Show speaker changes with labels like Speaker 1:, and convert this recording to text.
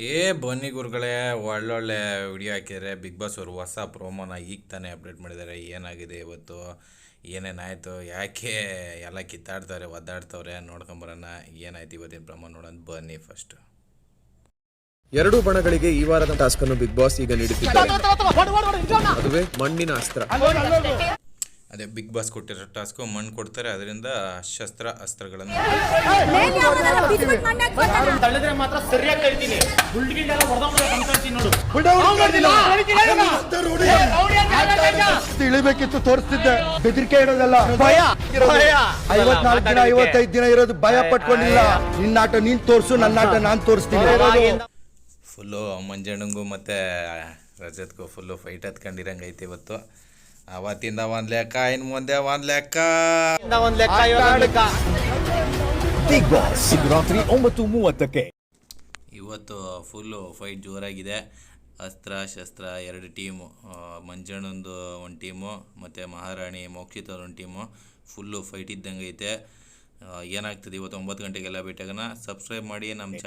Speaker 1: ಬನ್ನಿ ಗುರುಗಳೇ, ಒಳ್ಳೊಳ್ಳೆ ವಿಡಿಯೋ ಹಾಕಿದರೆ. ಬಿಗ್ ಬಾಸ್ ಅವರು ಹೊಸ ಪ್ರೋಮೋನ ಈಗ ತಾನೇ ಅಪ್ಡೇಟ್ ಮಾಡಿದ್ದಾರೆ. ಏನಾಗಿದೆ ಇವತ್ತು, ಏನೇನಾಯಿತು, ಯಾಕೆ ಎಲ್ಲ ಕಿತ್ತಾಡ್ತಾರೆ, ಒದ್ದಾಡ್ತವ್ರೆ, ನೋಡ್ಕೊಂಬರೋಣ ಏನಾಯ್ತು ಇವತ್ತಿನ ಪ್ರೋಮೋ ನೋಡೋಣ ಬನ್ನಿ. ಫಸ್ಟ್
Speaker 2: ಎರಡು ಬಣಗಳಿಗೆ ಈ ವಾರದ ಟಾಸ್ಕ್ ಅನ್ನು ಬಿಗ್ ಬಾಸ್ ಈಗ ನೀಡುತ್ತಿದ್ದಾರೆ. ಅದುವೇ ಮಣ್ಣಿನ ಅಸ್ತ್ರ.
Speaker 1: ಅದೇ ಬಿಗ್ ಬಾಸ್ ಕೊಟ್ಟಿರೋ ಟಾಸ್ಕು ಮಣ್ಣು ಕೊಡ್ತಾರೆ, ಅದರಿಂದ ಅಸ್ತ್ರಗಳನ್ನು
Speaker 3: ಇಳಿಬೇಕಿತ್ತು, ತೋರಿಸ್ತಿದ್ದೆ. ಬೆದರಿಕೆ ಇಡೋದಲ್ಲ, ಭಯ. 54 ದಿನ 55 ದಿನ ಇರೋದು ಭಯ ಪಟ್ಕೊಂಡಿಲ್ಲ. ನಿನ್ನಾಟ ನೀನ್ ತೋರ್ಸು, ನನ್ನಾಟ ನಾನ್ ತೋರಿಸ್ತೀನಿ.
Speaker 1: ಫುಲ್ಲು ಮಂಜಣ್ಣಂಗೂ ಮತ್ತು ರಜತ್ಗೂ ಫುಲ್ಲು ಫೈಟ್ ಹತ್ಕೊಂಡಿರಂಗೈತೆ ಇವತ್ತು. ಅವತ್ತಿಂದ ಒಂದು ಲೆಕ್ಕ, ಇನ್ನು ಮುಂದೆ ಒಂದು ಲೆಕ್ಕ.
Speaker 4: ಬಿಗ್ ಬಾಸ್ ರಾತ್ರಿ 9:30ಕ್ಕೆ.
Speaker 1: ಇವತ್ತು ಫುಲ್ಲು ಫೈಟ್ ಜೋರಾಗಿದೆ. ಅಸ್ತ್ರ ಶಸ್ತ್ರ ಎರಡು ಟೀಮು, ಮಂಜಣ್ಣಂದು ಒಂದು ಟೀಮು ಮತ್ತು ಮಹಾರಾಣಿ ಮೋಕ್ಷಿತವ್ರ ಒಂದು ಟೀಮು. ಫುಲ್ಲು ಫೈಟ್ ಇದ್ದಂಗೆ ಐತೆ. ಏನಾಗ್ತದೆ ಇವತ್ತು 9 ಗಂಟೆಗೆಲ್ಲ ಭೇಟಿಯಾಗೋಣ. ಸಬ್ಸ್ಕ್ರೈಬ್ ಮಾಡಿ ನಮ್ಮ